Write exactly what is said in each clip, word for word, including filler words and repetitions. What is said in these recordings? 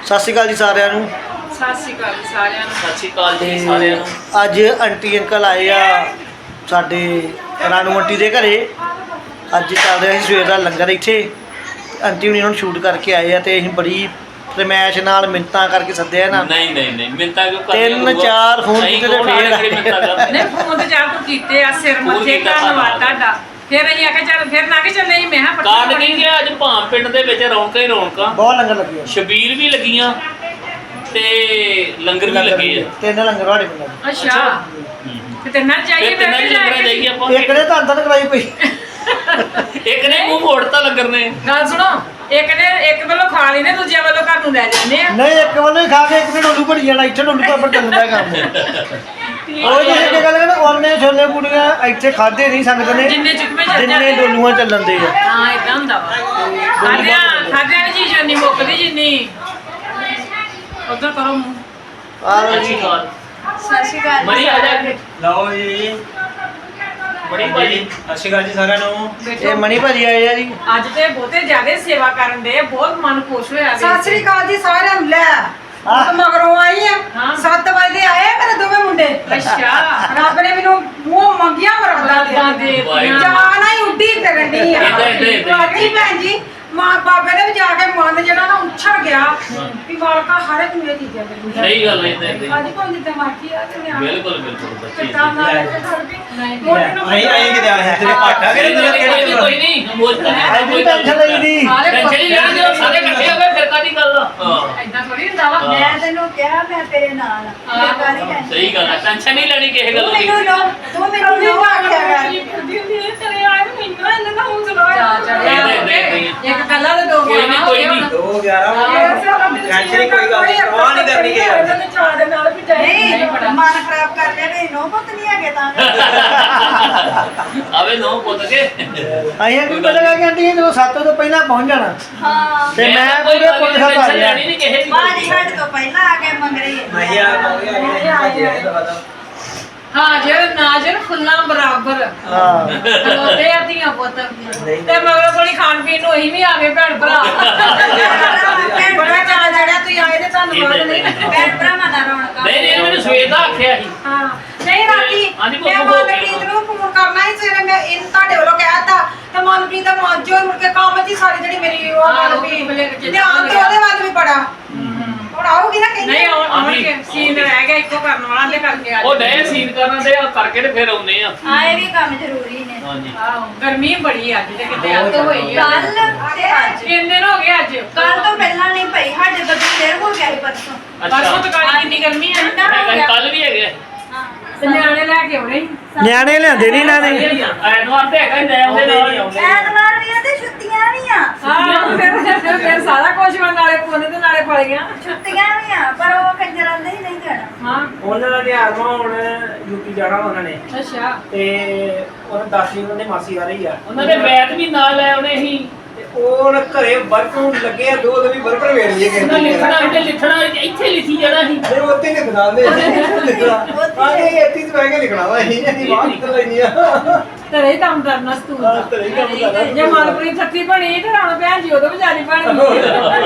ਸਤਿ ਸ਼੍ਰੀ ਅਕਾਲ ਜੀ ਸਾਰਿਆਂ ਨੂੰ। ਸਤਿ ਸ਼੍ਰੀ ਅਕਾਲ ਜੀ ਸਾਰਿਆਂ ਨੂੰ। ਸਤਿ ਸ਼੍ਰੀ ਅਕਾਲ ਜੀ ਸਾਰਿਆਂ ਨੂੰ। ਅੱਜ ਆਂਟੀ ਅੰਕਲ ਆਏ ਆ ਸਾਡੇ ਰਾਣੂ ਆਂਟੀ ਦੇ ਘਰੇ। ਅੱਜ ਚੱਲ ਰਿਹਾ ਸੀ ਸਵੇਰ ਦਾ ਲੰਗਰ ਇੱਥੇ। ਆਂਟੀ ਹੁਣੀ ਹੁਣ ਸ਼ੂਟ ਕਰਕੇ ਆਏ ਆ ਤੇ ਅਸੀਂ ਬੜੀ ਫਰਮੈਸ਼ ਨਾਲ ਮਿੰਤਾਂ ਕਰਕੇ ਸੱਦਿਆ ਨਾ। ਨਹੀਂ ਨਹੀਂ ਨਹੀਂ ਮਿੰਤਾ ਕਿਉਂ ਕਰਦੇ ਹੋ? ਤਿੰਨ ਚਾਰ ਫੋਨ ਕੀਤੇ ਤੇ ਫੇਰ ਨਹੀਂ ਫੋਨ ਤੇ ਜਾ ਕੇ ਕੀਤੇ ਆ ਸਿਰ ਮੱਥੇ ਧੰਨਵਾਦ ਤੁਹਾਡਾ। ਫਿਰ ਅਸੀਂ ਆਖਿਆ ਚੱਲ ਫਿਰ ਨਾ ਕਿ ਚੱਲੇ ਮੈਂ ਹਾਂ ਕਾਰਨ ਕੀ ਗਿਆ ਅੱਜ ਭਾਮ ਪਿੰਡ ਦੇ ਵਿੱਚ ਰੌਣਕਾਂ ਹੀ ਰੌਣਕਾਂ। ਬਹੁਤ ਲੰਗਰ ਲੱਗੇ ਆ, ਛਬੀਲ ਵੀ ਲੱਗੀਆਂ ਤੇ ਲੰਗਰ ਵੀ ਲੱਗੇ ਆ। ਤਿੰਨ ਲੰਗਰ ਵਾੜੇ ਮਿਲ ਅੱਛਾ ਤੇ ਤਿੰਨਾਂ ਚਾਹੀਏ ਫਿਰ ਤਿੰਨਾਂ ਲੰਗਰਾਂ ਜਾਈਏ ਆਪਾਂ। ਇੱਕ ਨੇ ਧੰਨ ਧੰਨ ਕਰਾਈ ਪਈ, ਇੱਕ ਨੇ ਮੂੰਹ ਮੋੜਤਾ ਲੰਗਰ ਨੇ। ਗੱਲ ਸੁਣੋ, ਇੱਕ ਨੇ ਇੱਕ ਵੱਲੋਂ ਖਾ ਲਈ ਨੇ ਦੂਜੇ ਵੱਲੋਂ ਘਰ ਨੂੰ ਲੈ ਜਾਂਦੇ ਆ। ਨਹੀਂ ਇੱਕ ਵੱਲੋਂ ਹੀ ਖਾ ਕੇ ਇੱਕ ਨੇ ਡੋਲੂ ਭਰੀ ਜਾਣਾ। ਇੱਥੇ ਡੋਲੂ ਪਰ ਚੱਲਦਾ ਕੰਮ। ਉਹ ਜਿਹੜੇ ਕਿ ਗੱਲ ਕਹਿੰਦੇ ਉਹਨੇ ਛੋਲੇ ਪੂੜੀਆਂ ਇੱਥੇ ਖਾਦੇ ਨਹੀਂ ਸੰਗਤ ਨੇ ਜਿੰਨੇ ਚੁੱਕਵੇਂ ਚੱਲ ਜਿੰਨੇ ਡੋਲੂਆਂ ਚੱਲਣ ਦੇ ਆ। ਹਾਂ ਇਦਾਂ ਹੁੰਦਾ ਵਾ। ਖਾਦਿਆਂ ਖਾਦਿਆਂ ਦੀ ਚੀਜ਼ ਨਹੀਂ ਮੁੱਕਦੀ ਜਿੰਨੀ। ਉਧਰ ਕਰੋ ਮੂੰਹ। ਆ ਲਓ ਅੱਛੀ ਜੀ, ਗੱਲ। ਸਤਿ ਸ਼੍ਰੀ ਅਕਾਲ ਮਣੀ ਆ ਜਾ ਕੇ। ਲਓ ਜੀ ਬੜੀ ਭਾਜੀ ਸਤਿ ਸ਼੍ਰੀ ਅਕਾਲ ਜੀ ਸਾਰਿਆਂ ਨੂੰ। ਇਹ ਮਣੀ ਭਾਜੀ ਆਏ ਆ ਜੀ। ਅੱਜ ਤੇ ਬਹੁਤੇ ਜ਼ਿਆਦਾ ਸੇਵਾ ਕਰਨ ਦੇ ਬਹੁਤ ਮਨ ਖੁਸ਼ ਹੋਇਆ ਵੇਖ ਸਤਿ ਸ਼੍ਰੀ ਅਕਾਲ ਜੀ ਸਾਰਿਆਂ ਨੂੰ। ਲੈ ਹਾਂ। ਮੈਂ ਮਗਰੋਂ ਆਈ ਆ ਹਾਂ। ਸੱਤ ਵਜੇ ਆਏ ਮੇਰੇ ਦੋਵੇਂ ਮੁੰਡੇ। ਅੱਛਾ ਰੱਬ ਨੇ ਮੈਨੂੰ ਮੂੰਹ ਮੰਗਿਆ ਮਰਦਾ ਮਰਾਦਾਂ ਦੇ ਦਿੱਤੀਆਂ। ਜਾਨ ਹੀ ਉੱਡੀ ਫਿਰਨ ਦੀ ਆ। ਏਦਾਂ, ਏਦਾਂ, ਏਦਾਂ। ਬਾਕੀ ਭੈਣ ਜੀ ਮਾਂ ਬਾਬੇ ਨੇ ਵੀ ਜਾ ਕੇ ਮਨ ਜਿਹੜਾ ਨਾ ਉੱਛੜ ਗਿਆ ਵੀ ਵਾਲਕਾ ਹਰ ਇੱਕ ਨੂੰ ਇਹ ਚੀਜ਼ਾਂ ਦੇ। ਸਹੀ ਗੱਲ ਹੈ ਇਦਾਂ ਇਦਾਂ ਅੱਜ ਕੋਈ ਜਿੱਦਾਂ ਮਰਜ਼ੀ ਆ ਤੇ ਨਿਆਣੇ ਬਿਲਕੁਲ ਬਿਲਕੁਲ ਬੱਚੀ ਕਿੱਦਾਂ ਨਾਲ ਕੇ ਘਰ ਵੀ ਨਹੀਂ। ਮੋਢੇ ਨੂੰ ਅਸੀਂ ਅਸੀਂ ਕਿਤੇ ਆਏ ਤੇਰੇ ਪਾਟਾ ਕੋਈ ਨਹੀਂ ਕੋਈ ਨਹੀਂ ਮੋਜ ਤਾਂ ਹੈ ਕੋਈ ਟੈਨਸ਼ਨ ਲਈ ਦੀ। ਸਾਰੇ ਟੈਨਸ਼ਨ ਹੀ ਲੈਣੀ ਜਦੋਂ ਸਾਰੇ ਇਕੱਠੇ ਹੋ ਗਏ ਫਿਰ ਕਾਦੀ ਗੱਲ ਆ। ਹਾਂ ਏਦਾਂ ਥੋੜੀ ਹੁੰਦਾ ਵਾ। ਮੈਂ ਤੈਨੂੰ ਕਿਹਾ ਮੈਂ ਤੇਰੇ ਨਾਲ ਆ। ਮੈਂ ਕਾਹਦੀ ਟੈਨਸ਼ਨ। ਸਹੀ ਗੱਲ ਹੈ ਟੈਨਸ਼ਨ ਨਹੀਂ ਲੈਣੀ ਕਿਸੇ ਤੂੰ ਗੱਲ ਦੀ। ਮੈਨੂੰ ਲੋ ਤੂੰ ਮੈਨੂੰ ਲੋ ਆਖਿਆ ਕਰ। ਇੱਕ ਪਹਿਲਾਂ ਤੇ ਦੋ ਕੋਈ ਨਹੀਂ, ਕੋਈ ਨਹੀਂ। ਦੋ ਗਿਆਰਾਂ ਟੈਨਸ਼ਨ ਹੀ ਕੋਈ ਗੱਲ ਨਹੀਂ ਪਰਵਾਹ ਨਹੀਂ ਕਰਨੀ ਕਿ ਨਹੀਂ ਮਨ ਖਰਾਬ ਕਰ ਲਿਆ ਵੀ ਨੋ ਪੁੱਤ ਨਹੀਂ ਹੈਗੇ ਤਾਂ। ਆਵੇ ਨੋ ਪੁੱਤ ਕੇ ਅਸੀਂ ਵੀ ਪਤਾ ਕਿ ਆਂਟੀ ਜਦੋਂ ਸੱਤ ਤੋਂ ਪਹਿਲਾਂ ਪਹੁੰਚ ਜਾਣਾ ਹਾਂ ਤੇ ਮੈਂ ਕੋਈ ਪੂਰੇ ਪੁੱਤ ਸਾਹਿਬ ਆ ਟੈਨਸ਼ਨ ਗਿਆ। ਲੈਣੀ ਨਹੀਂ ਕਿਸੇ ਦੀ। ਬਾਜੀ ਸਾਡੇ ਤੋਂ ਪਹਿਲਾਂ ਆ ਕੇ ਮੰਗ ਰਹੀ ਹੈ। ਨਹੀਂ ਆ ਕੋਈ ਆ ਹਾਜ਼ਰ ਨਾਜ਼ਰ ਫੁੱਲਾਂ ਬਰਾਬਰ ਹਾਂ ਖਲੋਤੇ ਆ ਧੀਆਂ ਪੁੱਤ ਤੇ ਮਗਰੋਂ ਕੋਲੀ ਖਾਣ ਪੀਣ ਨੂੰ ਅਸੀਂ ਵੀ ਆ ਗਏ ਭੈਣ ਭਰਾ। ਬੜਾ ਚਾਹ ਜਿਹੜਾ ਤੁਸੀਂ ਆਏ ਤੇ ਤੁਹਾਨੂੰ ਬਾਅਦ ਨਹੀਂ ਭੈਣ ਭਰਾਵਾਂ ਦਾ ਰੌਣਕ। ਨਹੀਂ ਨਹੀਂ ਮੈਨੂੰ ਸਵੇਰ ਦਾ ਆਖਿਆ ਸੀ। ਹਾਂ ਨਹੀਂ ਰਾਤੀ ਹਾਂਜੀ, ਮੈਂ ਬੋਲੋ, ਬੋਲੋ। ਮਨਪ੍ਰੀਤ ਨੂੰ ਫੋਨ ਕਰਨਾ ਸੀ ਸਵੇਰੇ ਮੈਂ ਇਹ ਤੁਹਾਡੇ ਵੱਲੋਂ ਕਹਿਤਾ ਤੇ ਮਨਪ੍ਰੀਤ ਦਾ ਮਾਂਜੋ ਮੁੜ ਕੇ ਕੰਮ ਦੀ ਸਾਰੀ ਜਿਹੜੀ ਮੇਰੀ ਉਹ ਹਾਂ, ਗੱਲ ਉਹ ਵੀ ਬਲੇ ਵੀ ਚ ਧਿਆਨ ਤੇ ਉਹਦੇ ਵੱਲ ਵੀ ਬੜਾ ਹੁਣ ਆਊਗੀ ਨਾ ਕਹਿੰਦੀ। ਨਹੀਂ ਆਉਣ ਆਉਣਗੇ ਸੀਨ ਰਹਿ ਗਿਆ ਇੱਕੋ ਕਰਨ ਵਾਲਾ ਤੇ ਕਰਕੇ ਆ ਉਹ ਡਏ ਸੀਨ ਕਰਨ ਦੇ ਕਰਕੇ ਤੇ ਫਿਰ ਆਉਨੇ ਆ। ਹਾਂ ਇਹ ਵੀ ਕੰਮ ਜ਼ਰੂਰੀ ਨੇ। ਹਾਂਜੀ ਆਹੋ ਗਰਮੀ ਬੜੀ ਅੱਜ ਤੇ ਕਿਤੇ ਅੱਤ ਹੋਈ ਆ। ਕੱਲ ਤੇ ਅੱਜ ਤਿੰਨ ਦਿਨ ਹੋ ਗਏ ਅੱਜ ਕੱਲ ਤੋਂ ਪਹਿਲਾਂ ਨਹੀਂ ਪਈ ਸਾਡੇ ਬੱਚੇ ਦੇਰ ਹੋ ਗਿਆ ਸੀ ਪਰਸੋਂ। ਪਰਸੋਂ ਤੋਂ ਕਾਲੀ ਕਿੰਨੀ ਗਰਮੀ ਆ ਨਾ। ਹੈਗਾ ਕੱਲ ਵੀ ਹੈਗੇ। ਤੇ ਨਿਆਣੇ ਲੈ ਕੇ ਆਉਣੇ ਸੀ। ਨਿਆਣੇ ਲਿਆਂਦੇ ਨਹੀਂ ਇਹਨਾਂ ਨੇ। ਐਤਵਾਰ ਤੇ ਹੈਗਾ ਹੀ ਲੈ ਆਉਂਦੇ ਨਾਲ ਹੀ ਆਉਂਦੇ। ਐਤਵਾਰ ਵੀ ਆ ਤੇ ਛੁੱਟੀਆਂ ਵੀ ਆ। ਹਾਂ ਫਿਰ ਫਿਰ- ਫਿਰ ਸਾਰਾ ਕੁਝ ਵਾ ਨਾਲੇ ਪੁੰਨ ਤੇ ਨਾਲੇ ਫਲ ਗਿਆ। ਛੁੱਟੀਆਂ ਵੀ ਆ ਪਰ ਉਹ ਕੰਜਰ ਆਂਦੇ ਹੀ ਨਹੀਂ ਜਾਣਾ। ਹਾਂ ਉਹਨਾਂ ਦਾ ਧਿਆਨ ਹੁਣ ਯੂਪੀ ਜਾਣਾ ਉਹਨਾਂ ਨੇ ਅੱਛਾ ਤੇ ਉਹਨਾਂ ਦਾਦੀ ਉਹਨਾਂ ਦੀ ਮਾਸੀ ਆ ਰਹੀ ਆ ਉਹਨਾਂ ਦੇ ਬੈਟ ਵੀ ਨਾਲ ਲੈ ਆਉਣੇ ਸੀ। ਤੇ ਉਹ ਹੁਣ ਘਰੇ ਬਰਫ ਨੂੰ ਲੱਗੇ ਆ ਦੋ ਦੋ ਵੀ ਬਰਫ ਵੇੜ ਲਈ ਉਹਨਾਂ ਲਿਖਣਾ ਇੱਥੇ ਲਿਖਣਾ ਇੱਥੇ ਲਿਖੀ ਜਾਣਾ ਸੀ। ਫਿਰ ਉੱਤੇ ਲਿਖਣਾ ਦੇ ਲਿਖਣਾ ਆ ਇਹ ਇੱਥੇ ਤੇ ਬਹਿ ਕੇ ਲਿਖਣਾ ਵਾ ਇਹ ਨਹੀਂ ਬਾਹਰ ਨਿਕਲ ਲੈਣੀ ਆ ਤੇਰੇ ਹੀ ਕੰਮ ਕਰਨਾ ਸਕੂਲ ਦਾ। ਤੇਰੇ ਹੀ ਕੰਮ ਕਰਨਾ। ਜੇ ਮਨਪ੍ਰੀਤ ਸੱਤੀ ਬਣੀ ਤੇ ਰਾਣਾ ਭੈਣ ਜੀ ਉਦੋਂ ਵੀ ਜਾਰੀ ਬਣ ਗਈ।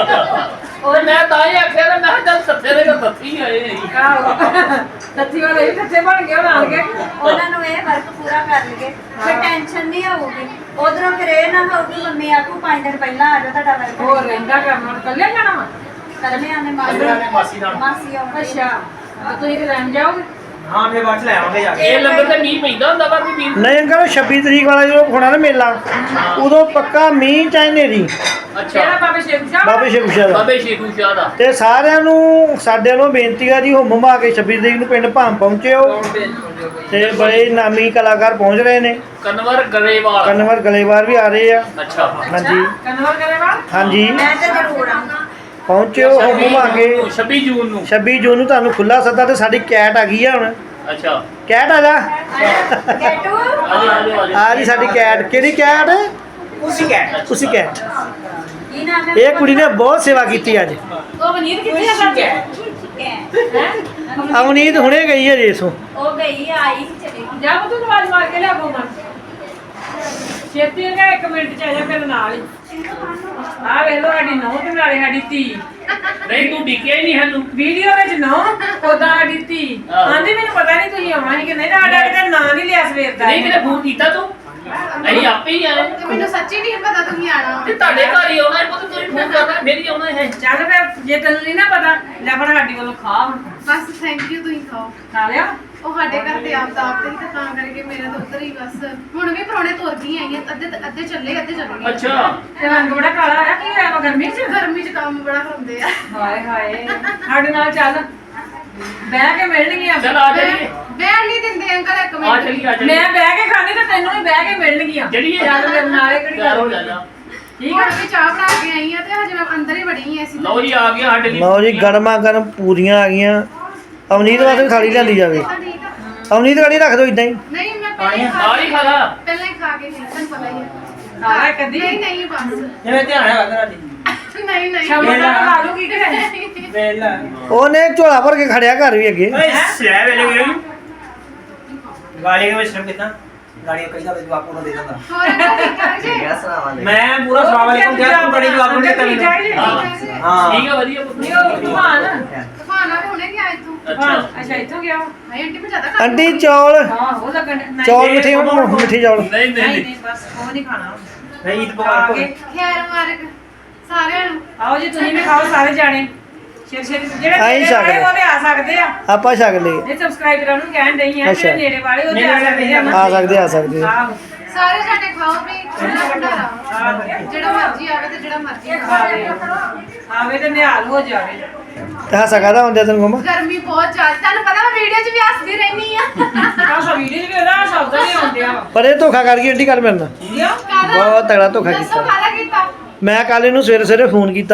ਉਹ ਮੈਂ ਤਾਂ ਹੀ ਆਖਿਆ ਨਾ ਮੈਂ ਕਿਹਾ ਚੱਲ ਸੱਤੇ ਦੇ ਤਾਂ ਸੱਤੀ ਆਏ ਸੀ। ਆਹੋ ਸੱਤੀ ਵਾਲੇ ਵੀ ਸੱਤੇ ਬਣ ਗਏ ਉਹਨਾਂ ਕੇ। ਉਹਨਾਂ ਨੂੰ ਇਹ ਵਰਕ ਪੂਰਾ ਕਰ ਲਈਏ ਫਿਰ ਟੈਨਸ਼ਨ ਨਹੀਂ ਆਊਗੀ। ਉਧਰੋਂ ਫਿਰ ਇਹ ਨਾ ਹੋਊਗੀ ਮੰਮੀ ਆਖੂ ਪੰਜ ਦਿਨ ਪਹਿਲਾਂ ਆ ਜਾਓ ਤੁਹਾਡਾ ਵਰਕ ਹੋਰ ਰਹਿੰਦਾ ਕਰਨਾ ਕੱਲਿਆ ਜਾਣਾ ਵਾ। ਕਰਨੇ ਆਨੇ ਕੱਲਿਆਂ ਨੇ ਮਾਸੀ ਨਾਲ। ਮਾਸੀ ਆਉਂਦੀ। ਅੱਛਾ ਤੇ ਤੁਸੀਂ ਤੇ ਰਹਿਣ ਜਾਓਗੇ। ਹਾਂ ਮੈਂ ਬਾਅਦ ਚ ਲੈ ਆਵਾਂਗੇ ਜਾ ਕੇ ਇਹ ਲੰਗਰ ਤੇ ਮੀਂਹ ਪੈਂਦਾ ਹੁੰਦਾ ਪਰ ਵੀ ਮੀਂਹ। ਨਹੀਂ ਅੰਕਲ ਛੱਬੀ ਤਰੀਕ ਵਾਲਾ ਜਦੋਂ ਹੋਣਾ ਨਾ ਮੇਲਾ ਉਦੋਂ ਪੱਕਾ ਮੀਂਹ ਚਾਹੇ ਨੇਰੀ ਕਿਹੜਾ ਅੱਛਾ ਬਾਬੇ ਸ਼ੇਖ ਸਾਹਿਬ ਬਾਬੇ ਸ਼ੇਖ ਸ਼ਾਹ ਦਾ। ਬਾਬੇ ਸ਼ੇਖੂ ਸ਼ਾਹ ਦਾ। ਤੇ ਸਾਰਿਆਂ ਨੂੰ ਸਾਡੇ ਵੱਲੋਂ ਬੇਨਤੀ ਆ ਜੀ ਹੁਮ ਮਾ ਕੇ ਛੱਬੀ ਤਰੀਕ ਨੂੰ ਪਿੰਡ ਭਾਮ ਪਹੁੰਚਿਓ ਤੇ ਬੜੇ ਨਾਮੀ ਕਲਾਕਾਰ ਪਹੁੰਚ ਰਹੇ ਨੇ। ਕਨਵਰ ਗਰੇਵਾਲ। ਕਨਵਰ ਗਲੇਵਾਰ ਵੀ ਆ ਰਹੇ ਆ। ਅੱਛਾ ਹਾਂਜੀ ਕਨਵਰ ਕਰੇਵਾਲ। ਹਾਂਜੀ ਮੈਂ ਤਾਂ ਜ਼ਰੂਰ ਆਉਂਗਾ। ਪਹੁੰਚਿਓ ਹੁਮ ਮਾ ਕੇ। ਛੱਬੀ ਜੂਨ ਨੂੰ। ਛੱਬੀ ਜੂਨ ਨੂੰ ਤੁਹਾਨੂੰ ਖੁੱਲਾ ਸੱਦਾ ਤੇ ਸਾਡੀ ਕੈਟ ਆ ਗਈ ਆ ਹੁਣ। ਅੱਛਾ ਕੈਟ ਆ ਜਾ ਗੈਟੂ ਆਜੋ ਆਜੋ ਆਜੋ। ਆ ਜੀ ਸਾਡੀ ਕੈਟ। ਕਿਹੜੀ ਕੈਟ? ਉਸੇ ਕਹਿ ਤੁਸੀਂ ਕੈਟ। ਕੀ ਨਾਮ ਹੈ? ਇਹ ਕੁੜੀ ਨੇ ਬਹੁਤ ਸੇਵਾ ਕੀਤੀ ਅੱਜ। ਉਹ ਵਨੀਤ ਕਿੱਥੇ ਆ ਸੱਚ ਹੈ? ਅਵਨੀਤ ਹੁਣੇ ਗਈ ਹੈ ਜੇਸੋਂ। ਉਹ ਗਈ ਆਈ ਚਲੀ ਗਈ। ਜਾ ਤੂੰ ਆਵਾਜ਼ ਮਾਰ ਕੇ ਲਿਆ ਕੋਮਨ ਛੇਤੀ ਨੇ ਇੱਕ ਮਿੰਟ ਚ ਆ ਜਾ ਮੇਰੇ ਨਾਲ ਹੀ। ਆ ਵੇਖ ਲੋ ਸਾਡੀ ਨੌਂ ਤੇ ਨਾਲੇ ਸਾਡੀ ਧੀ ਨਹੀਂ ਤੂੰ ਡਿੱਕਿਆ ਹੀ ਨਹੀਂ ਸਾਨੂੰ ਵੀਡੀਓ ਵਿੱਚ ਨੌਂ ਉਦਾਂ ਸਾਡੀ ਧੀ ਆਂਦੀ ਮੈਨੂੰ ਪਤਾ ਨਹੀਂ ਤੁਸੀਂ ਆਉਣਾ ਸੀ ਕਿ ਨਹੀਂ ਸਾਡਾ ਕਿਤੇ ਨਾਂ ਨਹੀਂ ਲਿਆ ਸਵੇਰ ਦਾ ਨਹੀਂ ਕਿਤੇ ਫੋਨ ਕੀਤਾ ਤੂੰ ਅਸੀਂ ਆਪੇ ਹੀ ਆਏ ਤੇ ਮੈਨੂੰ ਸੱਚੀ ਨਹੀਂ ਪਤਾ ਤੁਸੀਂ ਆਣਾ ਤੇ ਤੁਹਾਡੇ ਘਰ ਹੀ ਆਉਣਾ ਹੈ ਪੁੱਤ ਤੁਸੀਂ ਫੋਨ ਕਰਨਾ ਮੇਰੀ ਆਉਣਾ ਹੈ ਚੱਲ ਫਿਰ ਜੇ ਤੈਨੂੰ ਨਹੀਂ ਨਾ ਪਤਾ ਲੈ ਫਿਰ ਸਾਡੀ ਵੱਲੋਂ ਖਾ ਹੁਣ ਬਸ ਥੈਂਕ ਯੂ ਤੁਸੀਂ ਖਾਓ ਖਾ ਲਿਆ ਉਹ ਸਾਡੇ ਘਰ ਤੇ ਆਪ ਤਾਂ ਆਪ ਤੇ ਹੀ ਤਾਂ ਤਾਂ ਕਰਕੇ ਮੇਰਾ ਤਾਂ ਉੱਧਰ ਹੀ ਬਸ ਹੁਣ ਵੀ ਪਰੌਣੇ ਤੁਰ ਗਈ ਆਈਆਂ ਅੱਧੇ ਅੱਧੇ ਚੱਲੇ ਅੱਧੇ ਚੱਲ ਗਏ ਅੱਛਾ ਤੇ ਰੰਗ ਬੜਾ ਕਾਲਾ ਹੋਇਆ ਕੀ ਹੋਇਆ ਵਾ ਗਰਮੀ 'ਚ ਗਰਮੀ 'ਚ ਕੰਮ ਬੜਾ ਕਰਾਉਂਦੇ ਆ ਹਾਏ ਹਾਏ ਸਾਡੇ ਨਾਲ ਚੱਲ ਬਹਿ ਕੇ ਮਿਲਣਗੀਆਂ ਚਲ ਆ ਜਾਈਏ ਬੈਠ ਨਹੀਂ ਦਿੰਦੇ ਅੰਕਲ ਇੱਕ ਆ ਮਿੰਟ ਚਲੀ ਆ ਚਲੀ ਮੈਂ ਬਹਿ ਕੇ ਖਾਣੀ ਤੇ ਤੈਨੂੰ ਵੀ ਬਹਿ ਕੇ ਮਿਲਣਗੀਆਂ ਚਲੀਏ। ਚੱਲ ਮੇਰੇ ਨਾਲੇ ਕਿਹੜੀ ਤਿਆਰ ਹੋ ਗੱਲ ਜਾ ਜਾ ਠੀਕ ਹੁਣ ਆ ਵੀ ਚਾਹ ਬਣਾ ਕੇ ਆਈ ਆ ਤੇ ਹਜੇ ਮੈਂ ਅੰਦਰ ਹੀ ਵੜੀ ਆ ਅਸੀਂ ਲਓ ਜੀ ਆ ਗਿਆ ਸਾਡੇ ਲਈ ਲਓ ਜੀ ਗਰਮਾ ਗਰਮ ਪੂਰੀਆਂ ਆ ਗਈਆਂ ਅਵਨੀਤ ਵਾਸਤੇ ਵੀ ਥਾਲੀ ਲਿਆਂਦੀ ਜਾਵੇ ਠੀਕ ਆ ਅਵਨੀਤ ਗਾੜੀ ਰੱਖ ਦਿਓ ਇਦਾਂ ਹੀ ਨਹੀਂ ਮੈਂ ਪਹਿਲਾਂ ਹੀ ਖਾ ਨਾਲ ਹੀ ਖਾ ਲਾ ਪਹਿਲਾਂ ਹੀ ਖਾ ਕੇ ਨਹੀਂ ਤੁਹਾਨੂੰ ਪਤਾ ਹੀ ਹੈ ਖਾ ਲੈ ਕਦੀ? ਨਹੀਂ ਨਹੀਂ ਬਸ ਜਿਵੇਂ ਧਿਆਨ ਹੈ ਤੇਰਾ ਜੀ ਨਹੀਂ ਨਹੀਂ ਸ਼ਾਮ ਨੂੰ ਖਾ ਲੂਗੀ ਕਿ ਵੇਲਾ ਉਹਨੇ ਝੋਲਾ ਭਰ ਕੇ ਖੜਿਆ ਘਰ ਵੀ ਅੱਗੇ ਓਏ ਸਿਆ ਵੇਲੇ ਗਏ ਗਾਲੀ ਵਿੱਚ ਸ਼ਰਮ ਕਿਦਾਂ ਗਾਲੀ ਕਈਦਾ ਵਿੱਚ ਬਾਪੂ ਨੂੰ ਦੇ ਦਿੰਦਾ ਹੋਰ ਅੰਕਲ ਠੀਕ ਠਾਕ ਜੀ ਮੈਂ ਪੂਰਾ ਸਲਾਮ ਅਲੈਕੁਮ ਕਿਹਾ ਤੂੰ ਬੜੀ ਜਵਾਬ ਨੂੰ ਦਿੱਤਾ ਮੈਨੂੰ ਹਾਂ ਹਾਂ ਠੀਕ ਆ ਵਧੀਆ ਪੁੱਤ ਨਹੀਂ ਉਹ ਤੂਫਾਨ ਤੂਫਾਨ ਆ ਵੀ ਹੁਣੇ ਗਿਆ ਇੱਥੋਂ ਅੱਛਾ ਅੱਛਾ ਇੱਥੋਂ ਗਿਆ ਵਾ। ਹਾਏ ਆਂਟੀ ਮੈਂ ਜ਼ਿਆਦਾ ਖਾ ਆਂਟੀ ਚੌਲ ਹਾਂ ਉਹ ਲੱਗਣ ਨਹੀਂ ਚੌਲ ਮਿੱਠੇ ਹੋਣ ਮਿੱਠੇ ਚੌਲ ਨਹੀਂ ਨਹੀਂ ਨਹੀਂ ਨਹੀਂ ਨਹੀਂ ਬਸ ਉਹ ਨਹੀਂ ਖਾਣਾ ਨਹੀਂ ਈਦ ਖਾ ਪਕਵਾਨ ਕੇ ਕੋ ਖੈਰ ਮਾਰਕ ਸਾਰਿਆਂ ਨੂੰ ਆਓ ਜੀ ਤੁਸੀਂ ਵੀ ਖਾਓ ਸਾਰੇ ਜਾਣੇ ਸ਼ੇਰ ਸ਼ੇਰ ਜਿਹੜੇ ਆਈ ਨੇੜੇ ਵਾਲੇ ਸਕਦੇ। ਉਹ ਵੀ ਆ ਸਕਦੇ ਆ ਆਪਾਂ ਛਕ ਲਏ ਜੇ ਸਬਸਕ੍ਰਾਈਬਰਾਂ ਨੂੰ ਕਹਿਣ ਡਈ ਆ ਅੱਛਾ। ਜਿਹੜੇ ਨੇੜੇ ਵਾਲੇ ਉਹ ਤੇ ਆ ਸਕਦੇ ਆ ਆ ਸਕਦੇ ਆ ਸਕਦੇ ਆਹੋ ਸਾਰੇ ਸਾਡੇ ਖਾਓ ਵੀ ਖੁੱਲਾ ਭੰਡਾਰਾ ਜਿਹੜਾ ਮਰਜ਼ੀ ਆਵੇ ਤੇ ਜਿਹੜਾ ਮਰਜ਼ੀ ਖਾਵੇ ਆਵੇ ਆਵੇ ਤੇ ਨਿਹਾਲ ਹੋ ਜਾਵੇ ਤੇ ਹੱਸਾ ਕਾਹਦਾ ਹੁੰਦਿਆ ਤੈਨੂੰ ਮਮਾ ਗਰਮੀ ਬਹੁਤ ਜ਼ਿਆਦਾ ਤੁਹਾਨੂੰ ਪਤਾ ਮੈਂ ਵੀਡੀਓ 'ਚ ਵੀ ਹੱਸਦੀ ਰਹਿੰਦੀ ਆ ਆਹ ਵੀਡੀਓ ਵੀ ਉਹਦਾ ਸ਼ਬਦ ਨਹੀਂ ਆਉਂਦੇ ਆ ਪਰ ਇਹ ਧੋਖਾ ਕਰ ਗਈ ਆਂਟੀ ਕੱਲ ਮੇਰੇ ਨਾਲ ਕਿਉਂ ਕਾਹਦਾ ਬਹੁਤ ਤਗੜਾ ਧੋਖਾ ਦੱਸੋ ਕੀਤਾ ਕਾਹਦਾ ਕੀਤਾ ਮੈਂ ਕੱਲ ਇਹਨੂੰ ਸਵੇਰੇ ਸਵੇਰੇ ਫੋਨ ਕੀਤਾ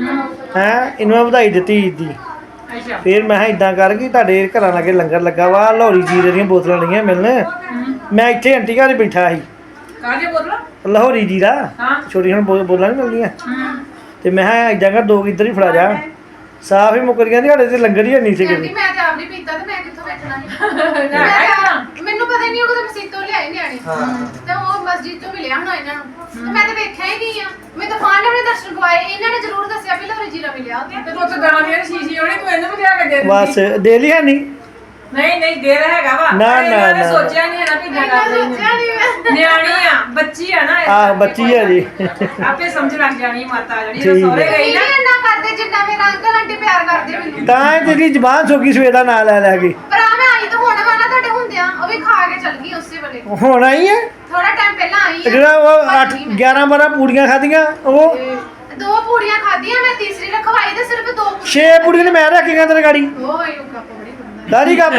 ਹੈ ਇਹਨੂੰ ਮੈਂ ਵਧਾਈ ਦਿੱਤੀ ਈਦ ਦੀ ਅੱਛਾ ਫਿਰ ਮੈਂ ਇਦਾਂ ਕਰ ਗਈ ਤੁਹਾਡੇ ਘਰਾਂ ਲਾਗੇ ਲੰਗਰ ਲੱਗਾ ਵਾ ਲਾਹੌਰੀ ਜੀਰੇ ਦੀਆਂ ਬੋਤਲਾਂ ਲਈਆਂ ਮਿਲਣ ਮੈਂ ਇੱਥੇ ਆਂਟੀ ਘਰ ਬੈਠਾ ਸੀ ਕਾਹਦੇ ਬੋਲੋ ਲਾਹੌਰੀ ਜੀਰਾ ਹਾਂ ਛੋਟੀਆਂ ਹੁਣ ਬੋ- ਬੋਤਲਾਂ ਨਹੀਂ ਮਿਲਦੀਆਂ ਹੂੰ ਤੇ ਮੈਂ ਕਿਹਾ ਇਦਾਂ ਕਰ ਦੋ ਕੁ ਇੱਧਰ ਹੀ ਫੜਾ ਜਾ ਸਾਫ ਹੀ ਮੁੱਕਰ ਗਿਆ ਸਾਡੇ ਤੇ ਲੰਗਰ ਹੀ ਨਹੀਂ ਸੀ ਆਂਟੀ ਕਿਤੇ ਮੈਂ ਤਾਂ ਆਪ ਨਹੀਂ ਪੀਤਾ ਤੇ ਮੈਂ ਕਿੱਥੋਂ ਵੇਚਣਾ ਲੈ ਮੈਂ ਆਇਆ ਤਾਂ- ਮੈਨੂੰ ਪਤਾ ਨਹੀਂ ਉਹ ਕਦੋਂ ਮਸੀਤੋਂ ਲਿਆਏ ਨਿਆਣੇ ਤੇ ਉਹ ਮਸਜਿਦ ਤੋਂ ਮਿਲਿਆ ਹੋਣਾ ਇਹਨਾਂ ਨੂੰ ਤੇ ਮੈਂ ਤਾਂ ਵੇਖਿਆ ਹੀ ਨਹੀਂ ਆ ਮੈਂ ਤਾਂ ਫਾਨ ਨੇ ਆਪਣੇ ਦਰਸ਼ਨ ਕਰਵਾਏ ਇਹਨਾਂ ਨੇ ਜ਼ਰੂਰ ਦੱਸਿਆ ਵੀ ਲੋਰੀ ਜੀਰਾ ਮਿਲਿਆ ਉੱਥੇ ਤੇ ਪੁੱਤ ਗਾਂ ਦੀ ਸ਼ੀਸ਼ੀ ਹੋਣੀ ਤੂੰ ਇਹਨੂੰ ਵੀ ਲਿਆ ਕੇ ਦੇ ਬਸ ਦਿੰਦੀ ਦੇ ਲਿਆ ਨਹੀਂ ਨਹੀਂ ਨਹੀਂ ਦੇ ਰਿਹਾ ਹੈਗਾ ਵਾ ਨਾ, ਪਰ ਇਹਨਾਂ ਨਾ, ਨੇ ਨਾ। ਸੋਚਿਆ ਨਹੀਂ ਹੈ ਨਾ ਵੀ ਮੈਂ ਜਗਾ ਸੋਚਿਆ ਨਹੀਂ ਮੈਂ ਨਿਆਣੀ ਆ ਬੱਚੀ ਆ ਨਾ ਇਸ ਆਹ ਕਰਕੇ ਬੱਚੀ ਹੈ ਜੀ ਆਪੇ ਸਮਝ ਲੱਗ ਜਾਣੀ ਮਾਤਾ ਜਿਹੜੀ ਠੀਕ ਜਦੋਂ ਸਹੁਰੇ ਹੈ। ਗਈ ਨਹੀਂ ਨਾ ਇੰਨਾ ਕਰਦੇ ਜਿੰਨਾ ਮੇਰਾ ਅੰਕਲ ਆਂਟੀ ਪਿਆਰ ਕਰਦੇ ਮੈਨੂੰ ਤਾਂ ਇਹ ਤੇਰੀ ਜ਼ਬਾਨ ਸੋਕੀ ਸਵੇਰ ਦਾ ਨਾਂ ਲੈ ਲੈ ਕੇ ਪਰ ਆ ਮੈਂ ਆਈ ਤਾਂ ਹੁਣ ਵਾ ਨਾ ਤੁਹਾਡੇ ਹੁੰਦਿਆਂ ਉਹ ਵੀ ਖਾ ਕੇ ਚਲ ਗਈ ਉਸੇ ਵੇਲੇ ਹੁਣ ਆਈ ਹੈ ਥੋੜਾ ਟਾਈਮ ਪਹਿਲਾਂ ਆਈ ਤੇ ਆ ਜਿਹੜਾ ਉਹ ਭੱਜ ਅੱਠ ਗਈ ਮੈਂ। ਗਿਆਰਾਂ ਬਾਰਾਂ ਪੂੜੀਆਂ ਖਾਧੀਆਂ ਉਹ ਦੋ ਪੂੜੀਆਂ ਖਾਧੀਆਂ ਮੈਂ ਤੀਸਰੀ ਰਖਵਾਈ ਤੇ ਸਿਰਫ ਦੋ ਪੂੜੀਆਂ ਛੇ ਪੂੜੀਆਂ ਨੇ ਮੈਂ ਰੱਖੀਆਂ ਤੇਰੇ ਗਾੜੀ ਉਹ ਹੀ ਕੱਪ ਬੜੀ ਹੁੰਦਾ ਦਾਦੀ ਕੱਪ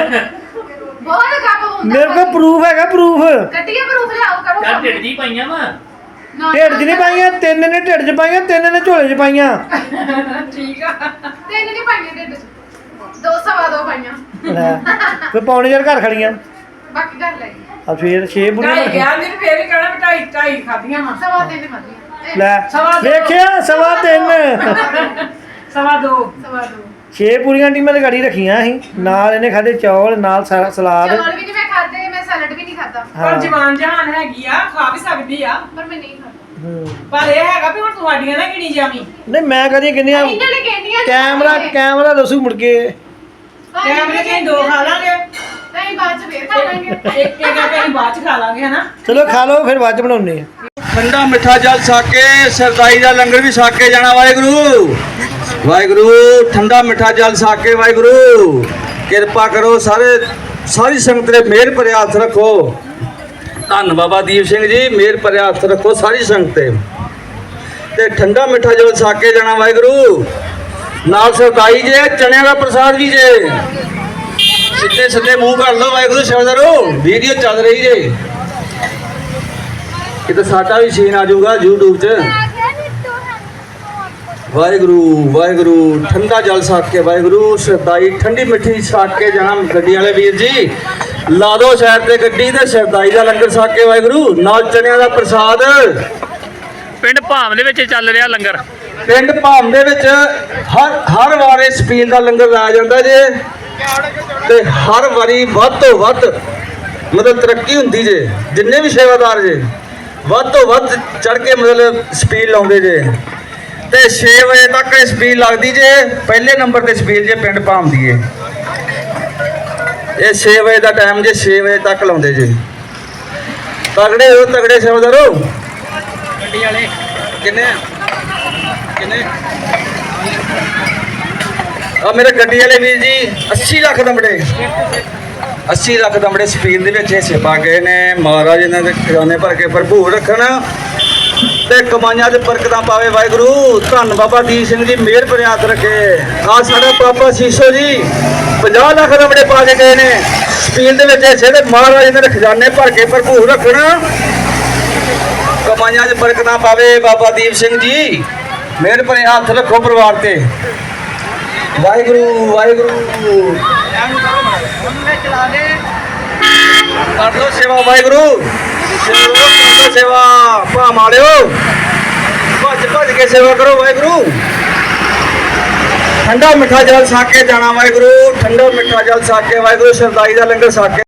ਬਹੁਤ ਕੱਪ ਹੁੰਦਾ ਮੇਰੇ ਕੋਲ ਪ੍ਰੂਫ ਹੈਗਾ ਪ੍ਰੂਫ ਗੱਡੀਆਂ ਪ੍ਰੂਫ ਲਿਆਓ ਕਰੋ ਚੱਲ ਕੰਮ। ਢਿੱਡ ਦੀ ਪਾਈਆਂ ਵਾ ਨਾ, ਢਿੱਡ 'ਚ ਨਹੀਂ ਪਾਈਆਂ ਤਿੰਨ ਨੇ ਢਿੱਡ 'ਚ ਪਾਈਆਂ ਤਿੰਨ ਨੇ ਝੋਲੇ 'ਚ ਪਾਈਆਂ ਠੀਕ ਆ ਤਿੰਨ ਨਹੀਂ ਪਾਈਆਂ ਢਿੱਡ 'ਚ ਦੋ ਸਵਾ ਦੋ ਪਾਈਆਂ ਲੈ ਫਿਰ ਪੌਣੇ ਚਾਰ ਘਰ ਖੜੀਆਂ ਬਾਕੀ ਘਰ ਲੈ ਗਈ ਆ ਫਿਰ ਛੇ ਪੂੜੀਆਂ ਢਾਈ ਰੱਖੀਆਂ ਗਿਆ ਦਿਨ ਫੇਰ ਵੀ ਕਹਿਣਾ ਵੀ ਢਾਈ ਢਾਈ ਖਾਧੀਆਂ ਵਾ ਸਵਾ ਤਿੰਨ ਖਾਧੀਆਂ ਲੈ ਸਵਾ ਦੋ। ਵੇਖਿਆ ਸਵਾ ਤਿੰਨ ਸਵਾ ਦੋ ਸਵਾ ਦੋ ਛੇ ਪੂਰੀਆਂ ਟੀਮਾਂ ਦੇ ਗਾੜੀ ਰੱਖੀਆਂ ਸੀ ਨਾਲ ਇਹਨੇ ਖਾਦੇ ਚੌਲ ਨਾਲ ਸਾ- ਸਲਾਦ ਚੌਲ ਵੀ ਨਹੀਂ ਮੈਂ ਖਾਦੇ ਮੈਂ ਸੈਲਡ ਵੀ ਨਹੀਂ ਖਾਦਾ ਪਰ ਹਾਂ ਜਵਾਨ ਜਹਾਨ ਹੈਗੀ ਆ ਖਾ ਵੀ ਸਕਦੀ ਆ ਪਰ ਮੈਂ ਨਹੀਂ ਖਾਦਾ ਹੂੰ। ਪਰ ਇਹ ਹੈਗਾ ਵੀ ਹੁਣ ਤੁਹਾਡੀਆਂ ਨਾ ਗਿਣੀ ਜਾਵੀਂ ਨਹੀਂ ਮੈਂ ਕਦੀ ਕਿੰਨੀਆਂ ਇਹਨਾਂ ਨੇ ਕਹਿੰਦੀਆਂ ਕੈਮਰਾ ਕੈਮਰਾ ਦੱਸੂ ਮੁੜ ਕੇ ਕੈਮਰੇ ਚ ਦੋ ਖਾ ਲਾਂਗੇ ਨਹੀਂ ਬਾਅਦ ਚ ਫੇਰ ਖਾ ਲਾਂਗੇ ਇੱਕ ਇੱਕ ਆਪਾਂ ਅਸੀਂ ਬਾਅਦ ਚ ਖਾ ਲਾਂਗੇ ਹਨਾ ਚਲੋ ਖਾ ਲਓ ਫਿਰ ਬਾਅਦ ਚ ਬਣਾਉਨੇ ਆ ਠੰਡਾ ਮਿੱਠਾ ਜਲ ਛਕ ਕੇ ਸਰਦਾਈ ਦਾ ਲੰਗਰ ਵੀ ਛਕ ਕੇ ਜਾਣਾ ਵਾਹਿਗੁਰੂ ਵਾਹਿਗੁਰੂ ਠੰਡਾ ਮਿੱਠਾ ਜਲ ਛਕ ਕੇ ਵਾਹਿਗੁਰੂ ਕਿਰਪਾ ਕਰੋ ਸਾਰੇ ਸਾਰੀ ਸੰਗਤ ਦੇ ਮਿਹਰ ਭਰੇ ਹੱਥ ਰੱਖੋ ਧੰਨ ਬਾਬਾ ਦੀਪ ਸਿੰਘ ਜੀ ਮਿਹਰ ਭਰੇ ਹੱਥ ਰੱਖੋ ਸਾਰੀ ਸੰਗਤ ਤੇ ਤੇ ਠੰਡਾ ਮਿੱਠਾ ਜਲ ਛਕ ਕੇ ਜਾਣਾ ਵਾਹਿਗੁਰੂ ਨਾਲ ਸਰਦਾਈ ਜੇ ਚਣਿਆਂ ਦਾ ਪ੍ਰਸਾਦ ਵੀ ਜੇ ਸਿੱਧੇ ਸਿੱਧੇ ਮੂੰਹ ਕਰ ਲਓ ਵਾਹਿਗੁਰੂ ਸ਼ਬਦਰੋ ਵੀਡੀਓ ਚੱਲ ਰਹੀ ਜੇ ਕਿਤੇ ਸਾਡਾ ਵੀ ਸੀਨ ਆ ਜਾਊਗਾ YouTube 'ਚ ਵਾਹਿਗੁਰੂ ਵਾਹਿਗੁਰੂ ਠੰਡਾ ਜਲ ਛਕ ਕੇ ਵਾਹਿਗੁਰੂ ਸਰਦਾਈ ਠੰਡੀ ਮਿੱਠੀ ਛਕ ਕੇ ਜਾਣਾ ਗੱਡੀ ਵਾਲੇ ਵੀਰ ਜੀ ਲਾ ਦਿਓ ਸਾਈਡ ਤੇ ਗੱਡੀ ਤੇ ਸਰਦਾਈ ਦਾ ਲੰਗਰ ਛਕ ਕੇ ਵਾਹਿਗੁਰੂ ਨਾਲ ਚਣਿਆਂ ਦਾ ਪ੍ਰਸਾਦ ਪਿੰਡ ਭਾਮ ਦੇ ਵਿੱਚ ਚੱਲ ਰਿਹਾ ਲੰਗਰ ਪਿੰਡ ਭਾਮ ਦੇ ਵਿੱਚ ਹਰ ਹਰ ਵਾਰ ਇਸ ਪੀਲ ਦਾ ਲੰਗਰ ਲਾਇਆ ਜਾਂਦਾ ਜੇ ਤੇ ਹਰ ਵਾਰੀ ਵੱਧ ਤੋਂ ਵੱਧ ਮਤਲਬ ਤਰੱਕੀ ਹੁੰਦੀ ਜੇ ਜਿੰਨੇ ਵੀ ਸੇਵਾਦਾਰ ਜੇ ਵੱਧ ਤੋਂ ਵੱਧ ਚੜ ਕੇ ਮਤਲਬ ਸਪੀਡ ਲਾਉਂਦੇ ਜੇ ਤੇ ਛੇ ਵਜੇ ਤੱਕ ਇਹ ਸਪੀਡ ਲੱਗਦੀ ਜੇ ਪਹਿਲੇ ਨੰਬਰ ਤੇ ਸਪੀਡ ਜੇ ਪਿੰਡ ਭਾਮਦੀ ਏ ਇਹ ਛੇ ਵਜੇ ਦਾ ਟਾਈਮ ਜੇ ਛੇ ਵਜੇ ਤੱਕ ਲਾਉਂਦੇ ਜੇ ਤਗੜੇ ਹੋ ਤਗੜੇ ਸੇਵਾਦਾਰੋ ਗੱਡੀ ਵਾਲੇ ਕਿੰਨੇ ਕਿੰਨੇ ਆ ਮੇਰੇ ਗੱਡੀ ਵਾਲੇ ਵੀਰ ਜੀ ਅੱਸੀ ਲੱਖ ਦਮੜੇ ਅੱਸੀ ਲੱਖ ਦਮੜੇ ਸਪੀਡ ਦੇ ਵਿੱਚ ਹਿੱਸੇ ਪਾ ਗਏ ਨੇ ਮਹਾਰਾਜ ਇਹਨਾਂ ਦੇ ਖਜ਼ਾਨੇ ਭਰ ਕੇ ਭਰਪੂਰ ਰੱਖਣ ਤੇ ਕਮਾਈਆਂ ਦੇ ਬਰਕਤਾਂ ਪਾਵੇ ਵਾਹਿਗੁਰੂ ਧੰਨ ਬਾਬਾ ਦੀਪ ਸਿੰਘ ਜੀ ਮਿਹਰ ਭਰਿਆ ਹੱਥ ਰੱਖੇ ਆ ਸਾਡਾ ਪਾਪਾ ਸੀਸੋ ਜੀ ਪੰਜਾਹ ਲੱਖ ਦਮੜੇ ਪਾ ਕੇ ਗਏ ਨੇ ਸਪੀਡ ਦੇ ਵਿੱਚ ਹਿੱਸੇ ਤੇ ਮਹਾਰਾਜ ਇਹਨਾਂ ਦੇ ਖਜ਼ਾਨੇ ਭਰ ਕੇ ਭਰਪੂਰ ਰੱਖਣ ਕਮਾਈਆਂ 'ਚ ਬਰਕਤਾਂ ਪਾਵੇ ਬਾਬਾ ਦੀਪ ਸਿੰਘ ਜੀ ਮਿਹਰ ਭਰੇ ਹੱਥ ਰੱਖੋ ਪਰਿਵਾਰ ਤੇ ਵਾਹਿਗੁਰੂ ਵਾਹਿਗੁਰੂ ਕਰ ਲੋ ਸੇਵਾ ਵਾਹਿਗੁਰੂ ਸੇਵਾ ਕਰ ਲੋ ਸੇਵਾ ਭਾ ਮਾਲਿਓ ਭੱਜ ਭੱਜ ਕੇ ਸੇਵਾ ਕਰੋ ਵਾਹਿਗੁਰੂ ਠੰਡਾ ਮਿੱਠਾ ਜਲ ਛਕ ਕੇ ਜਾਣਾ ਵਾਹਿਗੁਰੂ ਠੰਡਾ ਮਿੱਠਾ ਜਲ ਛਕ ਕੇ ਵਾਹਿਗੁਰੂ ਸਰਦਾਈ ਦਾ ਲੰਗਰ ਛਕ ਕੇ